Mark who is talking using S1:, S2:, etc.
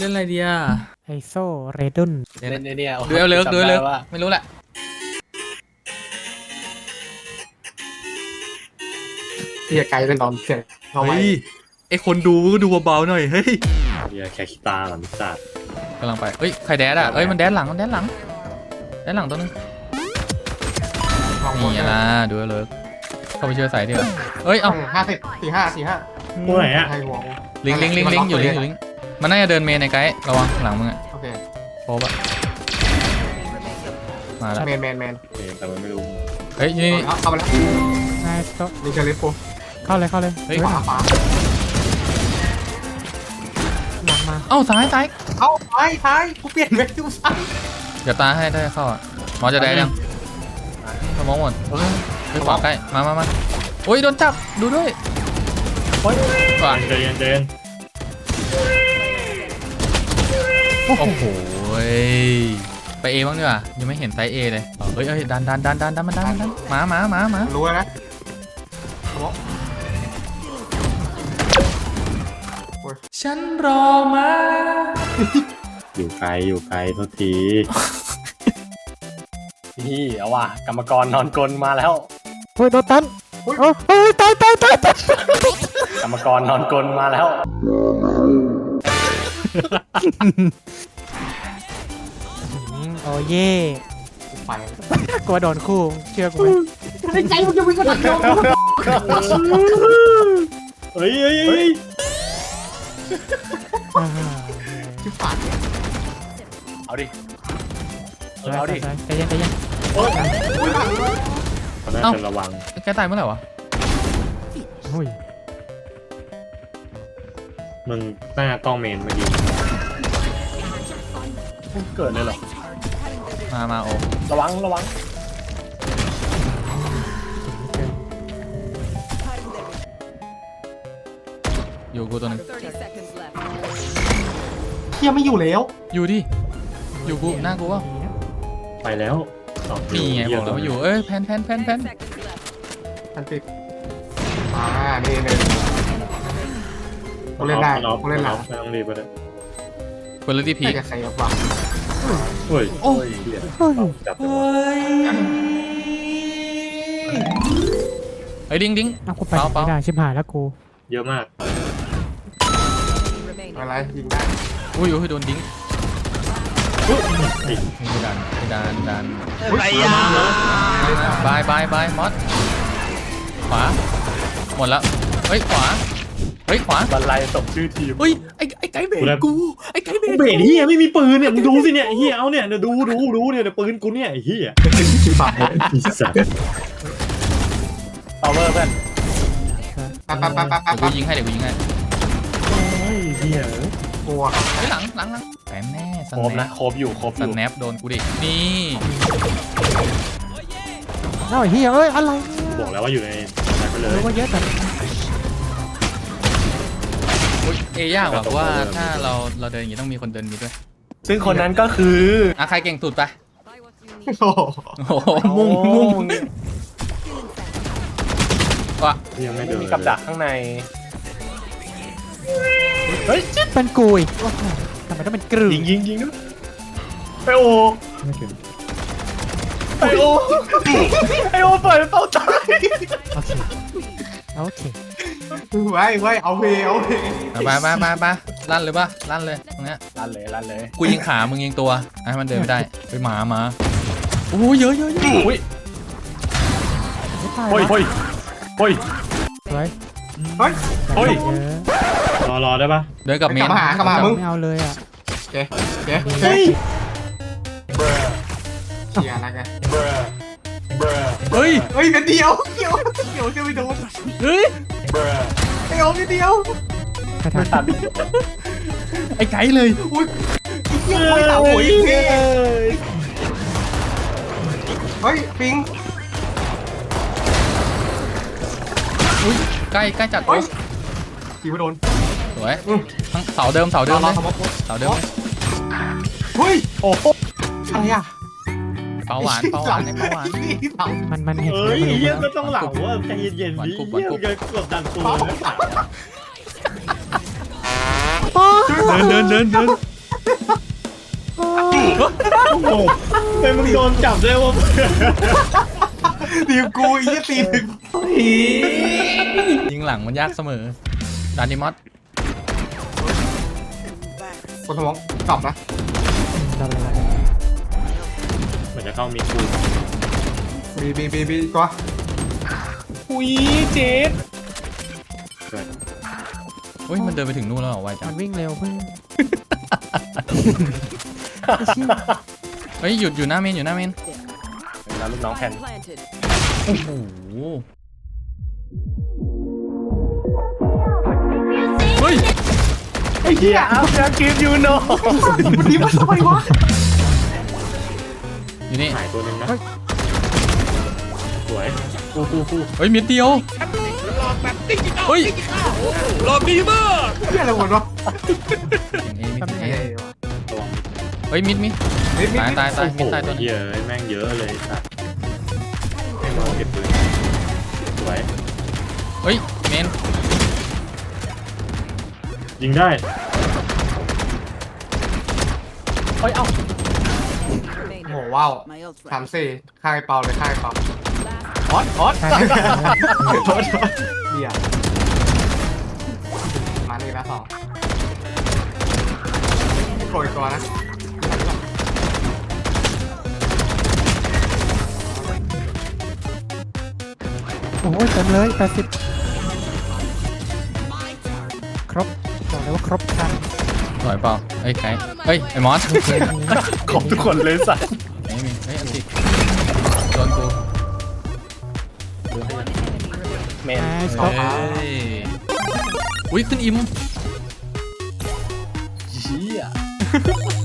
S1: ล่นอะไรดีอ่ะ
S2: ไอโซเรดุน
S3: เล่นเนี่ย
S1: ดูเอาเลิกดูเอาเลิกไม่รู้แหละ
S3: ที่จะไกลเป็นตอนเสียงเข้าไป
S1: เฮ้ยไอคนดูก็ดูเบาๆหน่อยเฮ้ย
S4: เฮียแค่คิตาหลังสัตว์
S1: กำลังไปเฮ้ยใครแดดอ่ะเอ้ยมันแดดหลังแดดหลังตัวนึงนี่ล่ะดูเอาเลิกเข้าไปช่วยใส่ดีกว่าเอ้ยเอ้า
S3: 50 45
S4: ตัวไหนอะ
S3: ไทยหัว
S1: ลิงอยู่ลิงมันน่าจะเดินเมนในไกด์ระวังหลังมึงอ่ะ
S3: โอเค
S1: โป๊บอ่ะมาแล้ว
S3: แมน
S4: เองแต่มันไม่รู้
S1: เฮ้ยนี่
S3: เข้ามาแล้ว
S2: ไอโซ
S3: นี่เชลิฟโป
S2: เข้าเลย
S1: เฮ้ย
S3: ขวา
S2: หลังมา
S1: เอ้าซ้าย
S3: เข้าท้ายกูเปลี่ยนเวทดูซ้าย
S1: เดี๋ยวตาให้ได้เข้าอ่ะหมอจะได้ยังสมองหมดเฮ้ยขวาใกล้มาโอ้ยโดนจับดูด้วยขวา
S4: เดิน
S1: โอ้โหไปเอบ้างดีกว่ายังไม่เห็นไซส์เอเลยเฮ้ยดันมันดันมา
S3: รู้แล้วนะ
S1: ฉันรอมา
S4: อยู่ไกลโทษที
S3: นี่เอาว่ะกรรมกรนอนกลมาแล้ว
S2: เฮ้ยโดนตันโอ้ยตาย
S3: กรรมกรนอนกลมาแล้ว
S2: โอ้เย่
S3: ไป
S2: กลัวโดนคู่เชื่อกูไหม
S3: ใจมึงจะวิ่งก็ตัดเดียว
S4: เฮ้ย
S3: ชิบหายเอาดิเอาดิ
S2: ใจเย็น
S4: เขาน่าจะระวัง
S1: แกตายเมื่อไหร่วะ
S2: โอ้ย
S4: มึงหน้ากล้องเมนเมื่อกี้
S3: เกิดเลยเหรอ
S1: มาโอ้
S3: ระวัง
S1: อยู่กูตัวนึง
S5: 30 seconds left.
S3: เฮียไม่อยู่แล้ว
S1: อยู่ดิอยู่กูหน้ากูว่า
S4: ไปแล้ว
S1: นี่ไงบอกแล้วว่าอยู่เอ้ยแพน
S5: Seconds left.
S3: ทันติดนี่กูเล่นได้กูเล่นหลัง
S4: ไม่ต้องรีบไปเลย
S1: เปิดเลยที่พี
S3: ไม่จะใครบ้าง
S4: เฮ้ย
S1: โอ้
S4: เฮีย
S2: เฮ้ย
S4: จับ
S1: เฮ้ยดิ้ง
S2: เอากูไปไม่ได้ชิบหายแล้วกู
S4: เยอะมาก
S5: Remaining.
S3: อะไรยิงได้
S1: อุ้ยโดนดิ้ง
S4: ติด
S1: ไม่ดัน
S3: ไอ้ยา
S1: บายมอสขวาหมดแล้วเฮ้ยขวา
S3: บรรลัยสมชื่อทีม
S1: เฮ้ยไอ้ไก่เบรกกูไอ้ไก่เบรก
S4: เบรดเฮียไม่มีปืนเนี่ยมึงดูสิเนี่ยเฮียเอาเนี่ยดูเนี่ยปืนกูเนี่ยเฮีย
S3: ชิบหาย
S4: อีสัตว์
S3: พาวเวอร์เพื่อนไป
S1: เดี๋ยวกูยิงให้
S4: เฮีย
S3: กลัว
S1: เฮ้ยหลังแปมแน่ส
S3: ครบ
S1: แน
S3: นะ
S1: ป
S3: ครบอยู่
S1: สแนปโดนกูดินี่
S2: เอ้าเฮียเอ้ยอะไร
S4: บอกแล้วว่าอยู่ในนั้นไปเลย
S2: รู้ว่าเยอะแต่
S1: เอยากว่ะเพราะว่าถ้าเราเดินอย่างนี้ต้องมีคนเดินนี้ด้วย
S3: ซึ่งคนนั้นก็คือ
S1: ใครเก่งสุดไป
S5: Buy what you need.
S3: โอ้
S1: โอ้โหมุ่งว่ะ
S4: ยังไม่เดิน
S3: มีกับดักข้างใน
S2: เป็นกูอีกโอ้โหทำไมต้องเป็นกรึ
S3: ยิงด้วยไปโอ
S4: ไม่ถึง
S3: ไปโอเปิดเป้าตาย
S2: โอเค
S3: ไว้เอาเพ
S1: ไปลั่นเลยป่ะลั่นเลยตรงเนี้ย
S3: ลั่นเลย
S1: กูยิงขามึงยิงตัวให้มันเดินไม่ได้ไปหมาโอ้เยอะ
S3: อุ้ย
S2: ไม่ตาย
S3: โอ้ย
S2: สวย
S3: เฮ้ย
S2: เยอะ
S4: รอได้ปะ
S1: เดินกับเมน
S3: กลับมามึง
S2: ไม่เอาเลยอ่ะ
S3: เฮ้ยเชียร์นะแก
S1: เฮ้ย
S3: เฮ้ยเดียวจะไม่โดน
S1: เฮ้ย
S3: ไอ้โอ้นิดเดียว
S2: กระทัน
S1: ไอ้ไก่เลย
S3: อุ้ยเหี้ยไม่ต่าหัวอีกทีเฮ้ยปิง
S1: อุ้ยใกล้จัด
S3: เฮ้ยตีไม่โดน
S1: สวยทั้งเสาเดิมเลยเสาเดิมเลย
S3: เฮ้ยโอ้โหอะไรอ่ะ
S1: เปาหวานไอ้เปาหวาน
S2: มันเห็น
S4: เอ้ย
S2: มันรู้
S4: เฮีย
S2: แล้ว
S4: ก็ต้องเหล่าว่าใจเย็นๆดิเฮียจะกดดันตัว
S1: เดิน
S4: โอ้โหแต่มึงโดนจับได้ว่า
S3: ทีมกูอีกทีหนึ่ง
S1: ยิงหลังมันยากเสมอดานิมอส
S3: คนสมองกลับนะ
S2: ได้เลย
S4: เหมือนจะเข้ามีกู
S3: บีตัว
S4: อุ้ยเจ็ด
S1: เฮ้ยมันเดินไปถึงนู่นแล้วเหรอไวจั
S2: มั
S1: ง
S2: นวิ่งเร็วเพื่อน
S1: เฮ้ยหยุดอยู่หน้าเมนอยู่หน้าเมน
S4: แล้วลูกน้องแผ่น
S5: Planted.
S1: โอ้โห เฮ้ย
S4: ไอ้เหี้ยอัพยังกินยูโน่
S3: วันนี้มันทำไมวะ
S1: อยู่นี่
S4: หายตัวหนึ่งนะสวยกู
S1: เฮ้ยเม็ดเดียวเฮ้ยหลอกดีมาก
S3: เฮียอะไรหมดวะ
S1: เฮ้ยมิดตาย
S4: โอ้
S1: มิด
S4: โห
S1: ตายตัวนึง
S4: เยอะแม่งเยอะเลยสัตว์ให้ลองเก็บปืนสวย
S1: เฮ้ยเมน
S4: ยิงได้
S5: Remaining.
S3: โอ้ว้าว
S5: My ult
S3: สาม
S5: ready.
S3: สี่ค่ายเปาเลยค่ายเปา
S5: Last
S3: ออสเบียร์มาเลยนะสองโปรยตัวนะ
S2: โอ้ยเต็มเลย80ครบบอกเลยว่าครบครัน
S1: สวยเปล่าเฮ้ยใครเฮ้ยไอ้มอส
S4: ขอบทุกคนเลยสัตว์
S1: ไม่มีเฮ้ยอันติโดนกู
S4: เมน
S2: ครบ
S1: เฮ้ยอุ้ยขึ้นอิม
S4: เหี้ย